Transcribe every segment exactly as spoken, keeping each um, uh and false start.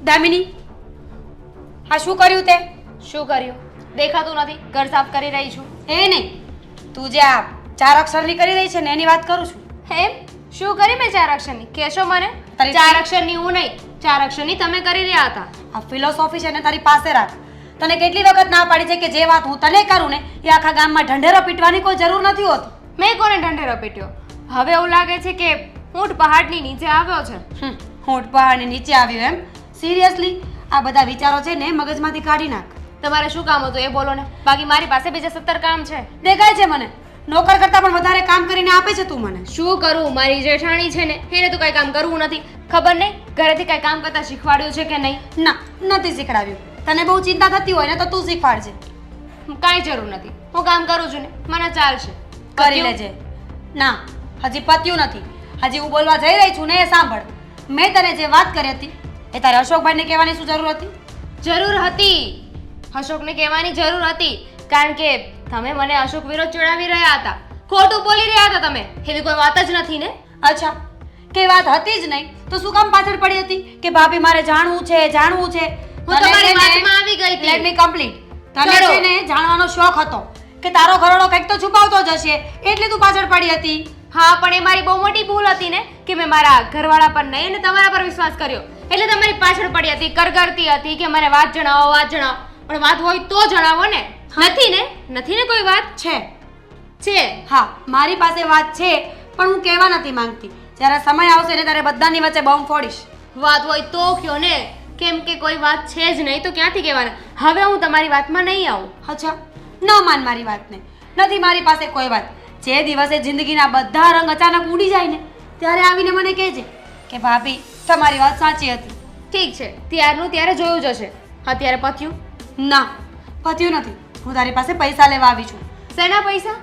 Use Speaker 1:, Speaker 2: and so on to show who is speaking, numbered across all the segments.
Speaker 1: દામિની, આ શું કર્યું તે?
Speaker 2: શું કર્યું? દેખાતું નથી. ઘર સાફ કરી રહી છું.
Speaker 1: એ નહીં, તું જે આ ચાર અક્ષરની કરી રહી છે ને એની વાત કરું છું.
Speaker 2: એમ? શું કરી મેં ચાર અક્ષરની? કહેશો મને?
Speaker 1: તારી-
Speaker 2: ચાર અક્ષરની હું નહીં, ચાર અક્ષરની તમે કરી રહ્યા હતા.
Speaker 1: આ ફિલોસોફી છે ને તારી પાસે રાખ. તને કેટલી વખત ના પાડી છે કે જે વાત હું તને કરું ને એ આખા ગામમાં ઢંઢેરો પીટવાની કોઈ જરૂર નથી હોતી.
Speaker 2: મેં કોને ઢંઢેરો પીટ્યો? હવે એવું લાગે છે કે ઊંટ પહાડની નીચે આવ્યો છે.
Speaker 1: હમ, ઊંટ પહાડની નીચે આવ્યો એમ? સિરિયસલી આ બધા વિચારો છે ને મગજમાંથી કાઢી નાખ.
Speaker 2: તમારે શું કામ હતું એ બોલો ને. બાકી મારી પાસે બીજા સત્તર કામ છે.
Speaker 1: દેખાય છે મને, નોકર કરતાં પણ વધારે કામ કરીને આપે છે તું મને.
Speaker 2: શું કરું? મારી જેઠાણી છે ને એને તો કઈ કામ કરવું નથી. ખબર નહીં ઘરેથી કઈ કામ કરતા શીખવાડ્યું છે કે નહીં.
Speaker 1: ના, નથી શીખડાવ્યું. તને બહુ ચિંતા થતી હોય ને તો તું શીખવાડજે.
Speaker 2: કાંઈ જરૂર નથી. હું કામ કરું છું ને, મને ચાલશે.
Speaker 1: કરી લેજે. ના, હજી પત્યું નથી. હજી હું બોલવા જઈ રહી છું ને એ સાંભળ. મેં તને જે વાત કરી હતી એ તારે અશોકભાઈને કહેવાની શું જરૂર હતી?
Speaker 2: જરૂર હતી. અશોકને કહેવાની જરૂર હતી કારણ કે તમે મને અશોક વિરોધ ચડાવી રહ્યા હતા. ખોટું બોલી રહ્યા હતા તમે. એવી કોઈ વાત જ નથી ને.
Speaker 1: અચ્છા, કે વાત હતી જ નહીં તો શું કામ પાછળ પડી હતી કે ભાભી મારે જાણવું છે જાણવું છે?
Speaker 2: હું તમારી વાતમાં આવી ગઈ હતી.
Speaker 1: Let me complete. તને
Speaker 2: કરો.
Speaker 1: છે ને જાણવાનો શોખ હતો કે તારો ઘરવાળો કંઈક તો છુપાવતો જ હશે એટલે તું પાછળ પડી હતી.
Speaker 2: હા, પણ એ મારી બહુ મોટી ભૂલ હતી ને કે મેં મારા ઘરવાળા પર નહીં અને તમારા પર વિશ્વાસ કર્યો એટલે તમારી પાછળ પડી હતી. કરગરતી હતી કે મને વાત જણાવો વાત જણાવો. પણ વાત હોય તો જણાવો ને. નથી ને? નથી ને કોઈ વાત?
Speaker 1: છે
Speaker 2: છે.
Speaker 1: હા, મારી પાસે વાત છે પણ હું કહેવા નથી માંગતી. જ્યારે સમય આવશે ને ત્યારે બધાની વચ્ચે બોમ્બ ફોડીશ.
Speaker 2: વાત હોય તો કયો ને. કેમ કે કોઈ વાત છે જ નહીં તો ક્યાંથી કહેવાના. હવે હું તમારી વાતમાં નહીં આવું.
Speaker 1: અચ્છા, ન માન મારી વાતને. નથી મારી પાસે કોઈ વાત. જે દિવસે જિંદગીના બધા રંગ અચાનક ઉડી જાય ને ત્યારે આવીને મને કહેજે કે ભાભી તમારી વાત સાચી હતી.
Speaker 2: ઠીક છે, ત્યારનું ત્યારે જોયું જશે. અત્યારે પત્યું?
Speaker 1: ના, પત્યું નથી. હું તારી પાસે પૈસા લેવા આવી છું.
Speaker 2: શેના પૈસા?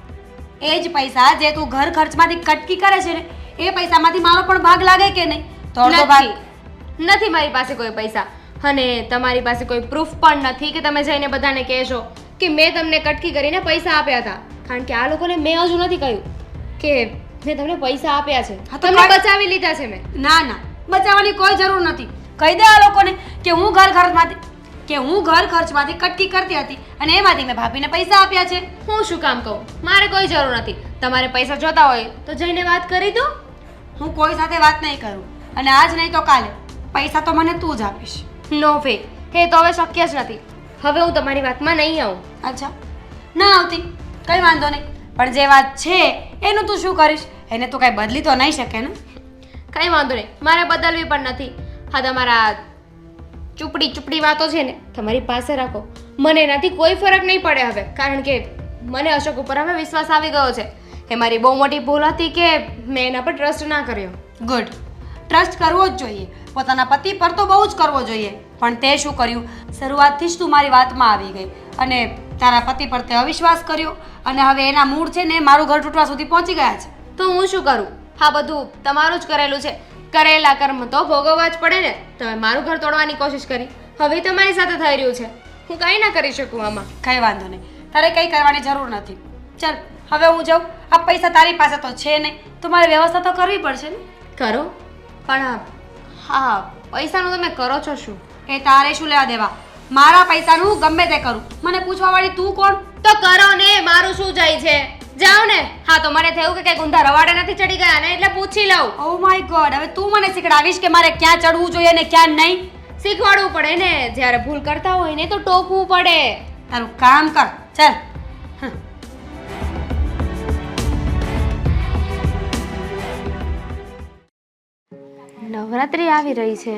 Speaker 1: એ જ પૈસા જે તું ઘર ખર્ચમાંથી કટકી કરે છે ને એ પૈસામાંથી મારો પણ ભાગ લાગે કે નહીં? તો અડધો ભાગ.
Speaker 2: નથી નથી મારી પાસે કોઈ પૈસા. અને તમારી પાસે કોઈ પ્રૂફ પણ નથી કે તમે જઈને બધાને કહેશો કે મેં તમને કટકી કરીને પૈસા આપ્યા હતા. કારણ કે આ લોકોને મેં હજુ નથી કહ્યું કે મેં તમને પૈસા આપ્યા છે.
Speaker 1: હા તો
Speaker 2: તમને
Speaker 1: કઈ-
Speaker 2: બચાવી લીધા છે મેં.
Speaker 1: ના ના, બચાવવાની કોઈ જરૂર નથી. કહી દે આ લોકોને કે હું ઘર ખર્ચમાંથી કે હું ઘર ખર્ચમાંથી કટકી કરતી હતી અને એમાંથી મેં ભાભીને પૈસા આપ્યા છે.
Speaker 2: હું શું કામ કહું? મારે કોઈ જરૂર નથી. તમારે પૈસા જોતા હોય તો જઈને વાત કરી દો.
Speaker 1: હું કોઈ સાથે વાત નહીં કરું અને આજ નહીં તો કાલે પૈસા તો મને તું જ આપીશ.
Speaker 2: નો વે. એ તો હવે શક્ય જ નથી. હવે હું તમારી વાતમાં નહીં આવું.
Speaker 1: અચ્છા, ના આવતી કંઈ વાંધો નહીં. પણ જે વાત છે એનું તું શું કરીશ? એને તું કાંઈ બદલી તો નહીં શકે ને?
Speaker 2: કંઈ વાંધો નહીં, મારે બદલવી પણ નથી. હા, તમારા ચૂપડી ચૂપડી વાતો છે ને તમારી પાસે રાખો. મને એનાથી કોઈ ફરક નહીં પડે હવે. કારણ કે મને અશોક ઉપર હવે વિશ્વાસ આવી ગયો છે. એ મારી બહુ મોટી ભૂલ હતી કે મેં એના પર ટ્રસ્ટ ના કર્યો.
Speaker 1: ગુડ. ટ્રસ્ટ કરવો જ જોઈએ. પોતાના પતિ પર તો બહુ જ કરવો જોઈએ. પણ તે શું કર્યું? શરૂઆતથી જ તું મારી વાતમાં આવી ગઈ અને તારા પતિ પર તે અવિશ્વાસ કર્યો અને હવે એના મૂળ છે ને મારું ઘર તૂટવા સુધી પહોંચી ગયા છે.
Speaker 2: તો હું શું કરું? હા, બધું તમારું જ કરેલું છે. કરેલા કર્મ તો ભોગવવા જ પડે ને. તમે મારું ઘર તોડવાની કોશિશ કરી, હવે તમારી સાથે થઈ રહ્યું છે. હું કાંઈ ના કરી શકું આમાં.
Speaker 1: કંઈ વાંધો નહીં, તારે કંઈ કરવાની જરૂર નથી. ચાલ હવે હું જાઉં. આ પૈસા તારી પાસે તો છે નહીં તો મારે વ્યવસ્થા તો કરવી પડશે ને.
Speaker 2: કરો પણ હા, પૈસાનું તમે કરો છો શું?
Speaker 1: એ તારે શું લેવા દેવા? મારા પૈસાનું હું ગમે તે કરું. મને પૂછવાવાળી તું કોણ?
Speaker 2: તો કરો ને, મારું શું જાય છે? જાઓ ને. હા, તો મને થયું કે કઈ ઊંધા રવાડે નથી ચડી ગયા ને એટલે પૂછી લઉં.
Speaker 1: ઓ માય ગોડ, હવે તું મને શીખડાવીશ કે મારે ક્યાં ચડવું જોઈએ ને ક્યાં નહીં?
Speaker 2: શીખવાડવું પડે ને. જ્યારે ભૂલ કરતા હોય ને તો ટોકવું પડે.
Speaker 1: તારું કામ કર. ચાલ.
Speaker 2: નવરાત્રી આવી રહી છે.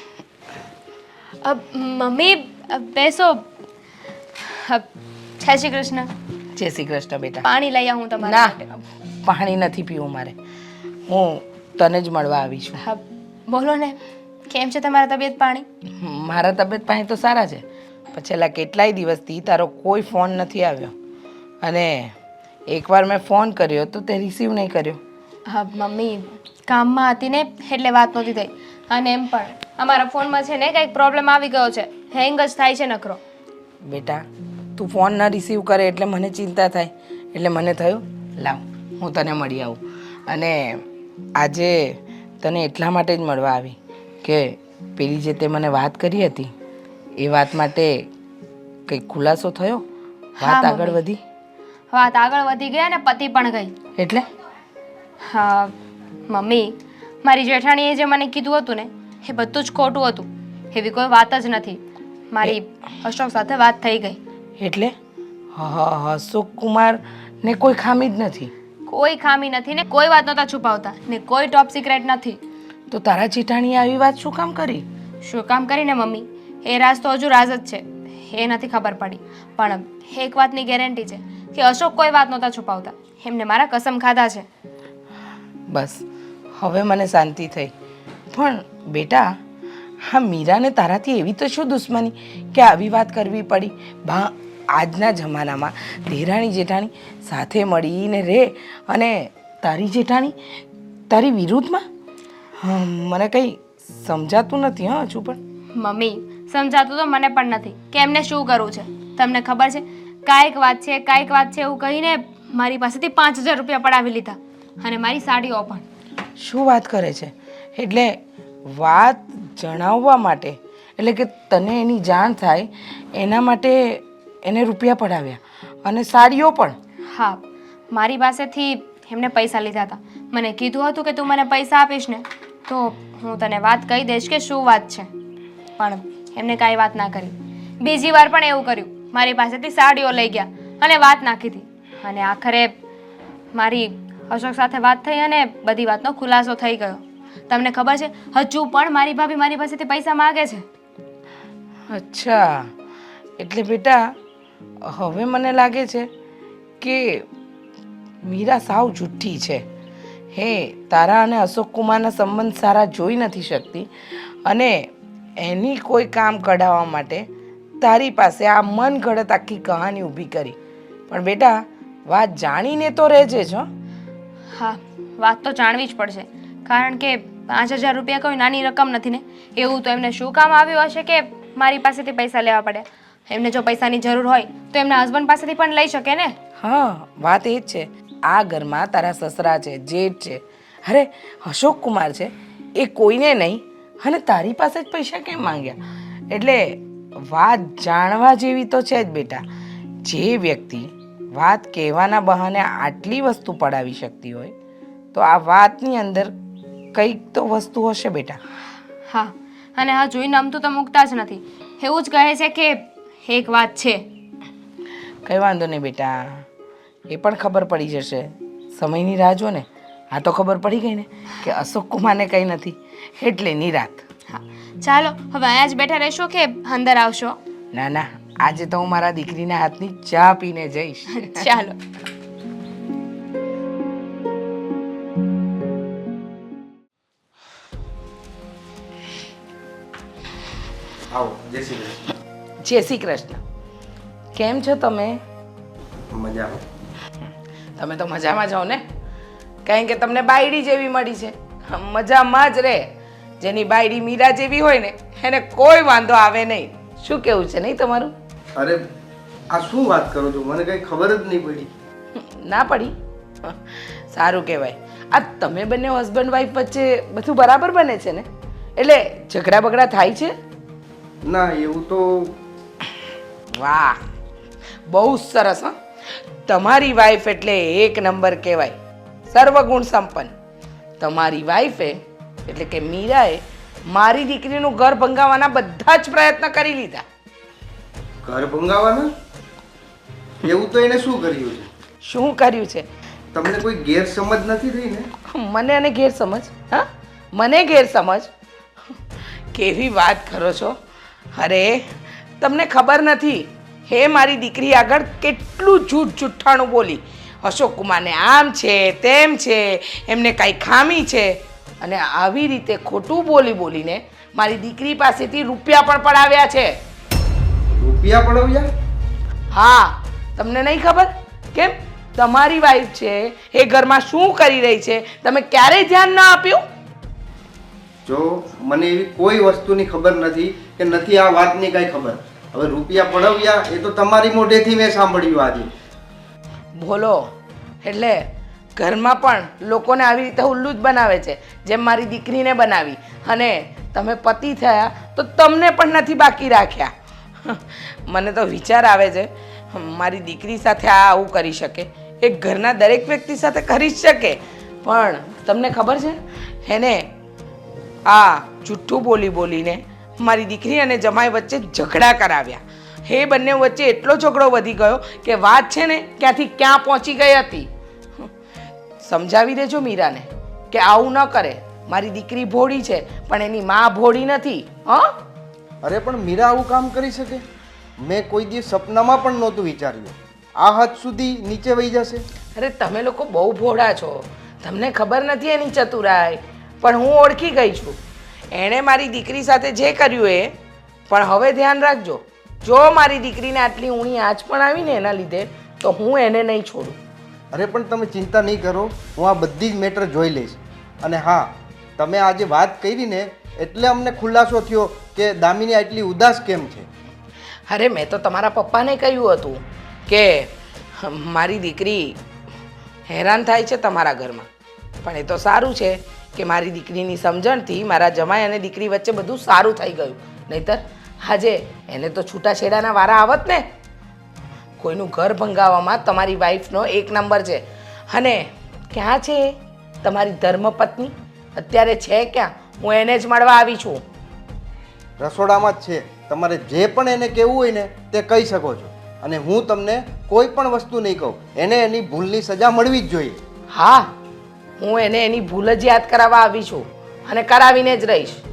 Speaker 2: અ, મમ્મી અ, બેસો. અ, જય શ્રી કૃષ્ણ.
Speaker 3: જય શ્રી કૃષ્ણ બેટા.
Speaker 2: પાણી લઈ આવું તમારા માટે.
Speaker 3: ના, પાણી નથી પીવું મારે. હું તને જ મળવા આવી છું.
Speaker 2: હા, બોલો ને. કેમ છે તમારા તબિયત પાણી?
Speaker 3: મારા તબિયત પાણી તો સારા છે પણ છેલ્લા કેટલાય દિવસથી તારો કોઈ ફોન નથી આવ્યો અને એકવાર મેં ફોન કર્યો તો તે રિસીવ નહીં કર્યો.
Speaker 2: હા મમ્મી, કામમાં હતી ને એટલે વાત નહોતી થઈ. અને એમ પણ અમારા ફોનમાં છે ને કંઈક પ્રોબ્લેમ આવી ગયો છે. હેંગ જ થાય છે નખરો.
Speaker 3: બેટા તું ફોન ન રિસીવ કરે એટલે મને ચિંતા થાય એટલે મને થયું લાવ હું તને મળી આવું. અને આજે તને એટલા માટે જ મળવા આવી કે પેલી જે તે મને વાત કરી હતી એ વાત માટે કંઈક ખુલાસો થયો? વાત આગળ
Speaker 2: મમ્મી.
Speaker 3: વધી?
Speaker 2: વાત આગળ વધી ગઈ અને પતિ પણ ગઈ.
Speaker 3: એટલે
Speaker 2: હા મમ્મી, મારી જેઠાણીએ જે મને કીધું હતું ને એ બધું જ ખોટું હતું. એવી કોઈ વાત જ નથી. મારી અશોક સાથે વાત થઈ ગઈ.
Speaker 3: એટલે અશોક કુમાર ને કોઈ ખામી જ નથી?
Speaker 2: કોઈ ખામી નથી ને કોઈ વાત નહોતા છુપાવતા ને કોઈ ટોપ સિક્રેટ નથી.
Speaker 3: તો તારા જેઠાણીએ આવી વાત શું કામ કરી?
Speaker 2: શું કામ કરીને મમ્મી? એ રાજ તો હજુ રાજ જ છે, એ નથી ખબર પડી. પણ એક વાતની ગેરંટી છે કે અશોક કોઈ વાત નહોતા છુપાવતા. એમને મારા કસમ ખાધા છે.
Speaker 3: બસ હવે મને શાંતિ થઈ. પણ બેટા, હા મીરાને તારાથી એવી તો શું દુશ્મની કે આવી વાત કરવી પડી? બા આજના જમાનામાં દેરાણી જેઠાણી સાથે મળીને રહે અને તારી જેઠાણી તારી વિરુદ્ધમાં? હમ, મને કંઈ સમજાતું નથી હા હજુ પણ.
Speaker 2: મમ્મી, સમજાતું તો મને પણ નથી કે એમને શું કરવું છે. તમને ખબર છે, કાંઈક વાત છે કાંઈક વાત છે એવું કહીને મારી પાસેથી પાંચ હજાર રૂપિયા પડાવી લીધા અને મારી સાડીઓ પણ.
Speaker 3: શું વાત કરે છે? એટલે વાત જણાવવા માટે, એટલે કે તને એની જાણ થાય એના માટે એને રૂપિયા પડાવ્યા અને સાડીઓ પણ?
Speaker 2: હા, મારી પાસેથી એમને પૈસા લીધા હતા. મને કીધું હતું કે તું મને પૈસા આપીશ ને તો હું તને વાત કહી દઈશ કે શું વાત છે. પણ એમને કાંઈ વાત ના કરી. બીજી વાર પણ એવું કર્યું. મારી પાસેથી સાડીઓ લઈ ગયા અને વાત નાખી હતી. અને આખરે મારી અશોક સાથે વાત થઈ અને બધી વાતનો ખુલાસો થઈ ગયો. તમને ખબર છે, હજુ પણ મારી ભાભી મારી પાસેથી પૈસા માગે છે.
Speaker 3: અચ્છા, એટલે બેટા હવે મને લાગે છે કે મીરા સાવ જુઠ્ઠી છે. હે તારા અને અશોક કુમારના સંબંધ સારા જોઈ નથી શકતી અને એની કોઈ કામ કઢાવવા માટે તારી પાસે આ મન ગળત આખી કહાની ઊભી કરી. પણ બેટા વાત જાણીને તો રહેજે જ.
Speaker 2: હા, વાત તો જાણવી જ પડશે કારણ કે પાંચ હજાર રૂપિયા કોઈ નાની રકમ નથી ને. એવું તો એમને શું કામ આવ્યું હશે કે મારી પાસેથી પૈસા લેવા પડે? એમને જો પૈસાની જરૂર હોય તો એમના હસબન્ડ પાસેથી પણ લઈ શકે ને.
Speaker 3: હા, વાત એ જ છે. આ ઘરમાં તારા સસરા છે, જેઠ છે, અરે અશોક કુમાર છે, એ કોઈને નહીં અને તારી પાસે જ પૈસા કેમ માંગ્યા? એટલે વાત જાણવા જેવી તો છે જ બેટા. જે વ્યક્તિ વાત કહેવાના બહાને આટલી વસ્તુ પડાવી શકતી હોય તો આ વાતની અંદર કંઈક તો વસ્તુ હશે બેટા.
Speaker 2: હા, અને હા જોઈને નમતું તો મૂકતા જ નથી. એવું જ કહે છે કે એક વાત છે.
Speaker 3: કંઈ વાંધો નહીં બેટા, એ પણ ખબર પડી જશે. સમયની રાહ જો ને. આ તો ખબર પડી ગઈ ને કે અશોક કુમારને કંઈ નથી એટલે નિરાત.
Speaker 2: હા, ચાલો હવે અહીંયા જ બેઠા રહેશો કે અંદર આવશો?
Speaker 3: ના ના, આજે તો હું મારા દીકરીના હાથની ચા પીને જઈશ.
Speaker 2: ચાલો.
Speaker 4: આવો, જય શ્રી કૃષ્ણ.
Speaker 3: જય શ્રી કૃષ્ણ. કેમ છો તમે?
Speaker 4: મજામાં.
Speaker 3: તમે તો મજામાં જાઓ ને, કારણ કે તમને બાયડી જેવી મળી છે. મજામાં જ રહે. જેની બાયડી મીરા જેવી હોય ને એને કોઈ વાંધો આવે નહીં. શું કેવું છે નહીં તમારું?
Speaker 4: અરે આ શું વાત કરો છો? મને કંઈ ખબર જ નહીં પડી.
Speaker 3: ના પડી? સારું કહેવાય. આ તમે બંને હસબન્ડ વાઈફ વચ્ચે બધું બરાબર બને છે ને? એટલે ઝઘડા બગડા થાય છે?
Speaker 4: ના એવું તો.
Speaker 3: વાહ, બહુ સરસ. હા, તમારી વાઈફ એટલે એક નંબર કહેવાય, સર્વગુણ સંપન્ન. તમારી વાઈફે એટલે કે મીરાએ મારી દીકરીનું ઘર ભંગાવવાના બધા જ પ્રયત્ન કરી લીધા.
Speaker 4: ઘર ભંગાવાના? એવું તો એને શું કર્યું છે?
Speaker 3: શું કર્યું છે?
Speaker 4: તમને કોઈ ગેરસમજ નથી થઈ ને?
Speaker 3: મને અને ગેરસમજ? હા, મને ગેરસમજ? કેવી વાત કરો છો? અરે તમને ખબર નથી હે મારી દીકરી આગળ કેટલું જૂઠ જુઠ્ઠાણું બોલી. અશોક કુમારને આમ છે તેમ છે, એમને કાંઈ ખામી છે, અને આવી રીતે ખોટું બોલી બોલીને મારી દીકરી પાસેથી રૂપિયા પણ પડાવ્યા છે.
Speaker 4: રૂપિયા પડાવ્યા?
Speaker 3: હા, તમને નહીં ખબર? કેમ? તમારી વાઈફ છે એ ઘરમાં શું કરી રહી છે તમે ક્યારેય ધ્યાન ના આપ્યું?
Speaker 4: જો મને એવી કોઈ વસ્તુની ખબર નથી કે નથી આ વાતની કાંઈ ખબર. હવે રૂપિયા પડાવ્યા એ તો તમારી મોઢેથી મેં સાંભળ્યું આજે.
Speaker 3: બોલો, એટલે ઘરમાં પણ લોકોને આવી રીતે ઉલ્લુ જ બનાવે છે જેમ મારી દીકરીને બનાવી, અને તમે પતિ થયા તો તમને પણ નથી બાકી રાખ્યા. મને તો વિચાર આવે છે મારી દીકરી સાથે આ આવું કરી શકે, એ ઘરના દરેક વ્યક્તિ સાથે કરી જ શકે, પણ તમને ખબર છે એને આ જૂઠું બોલી બોલીને મારી દીકરી અને જમાઈ વચ્ચે ઝઘડા કરાવ્યા. એ બંને વચ્ચે એટલો ઝઘડો વધી ગયો કે વાત છે ને ક્યાંથી ક્યાં પહોંચી ગઈ હતી. સમજાવી દેજો મીરાને કે આવું ન કરે. મારી દીકરી ભોળી છે પણ એની માં ભોળી નથી. હા,
Speaker 4: અરે પણ મીરા આવું કામ કરી શકે? મેં કોઈ દિવસ સપનામાં પણ નહોતું વિચાર્યું આ હદ સુધી નીચે વહી જશે.
Speaker 3: અરે તમે લોકો બહુ ભોળા છો, તમને ખબર નથી એની ચતુરાઈ, પણ હું ઓળખી ગઈ છું. એણે મારી દીકરી સાથે જે કર્યું એ, પણ હવે ધ્યાન રાખજો, જો મારી દીકરીને આટલી ઊણી આંચ પણ આવી ને એના લીધે તો હું એને નહીં છોડું.
Speaker 4: અરે પણ તમે ચિંતા નહીં કરો, હું આ બધી જ મેટર જોઈ લઈશ. અને હા, તમે આજે વાત કરી ને એટલે અમને ખુલાસો થયો કે દામિની આટલી ઉદાસ કેમ છે.
Speaker 3: અરે મેં તો તમારા પપ્પાને કહ્યું હતું કે મારી દીકરી હેરાન થાય છે તમારા ઘરમાં, પણ એ તો સારું છે કે મારી દીકરીની સમજણથી મારા જમાઈ અને દીકરી વચ્ચે બધું સારું થઈ ગયું. નહીંતર આજે એને તો છૂટાછેડાના વારા આવત ને. કોઈનું ઘર ભંગાવવામાં તમારી વાઈફનો એક નંબર છે. અને ક્યાં છે તમારી ધર્મપત્ની? અત્યારે છે ક્યાં? હું એને જ મળવા આવી છું.
Speaker 4: રસોડામાં જ છે. તમારે જે પણ એને કહેવું હોય ને તે કહી શકો છો, અને હું તમને કોઈ પણ વસ્તુ નહીં કહું. એને એની ભૂલની સજા મળવી જ જોઈએ.
Speaker 3: હા, હું એને એની ભૂલ જ યાદ કરાવવા આવી છું અને કરાવીને જ રહીશ.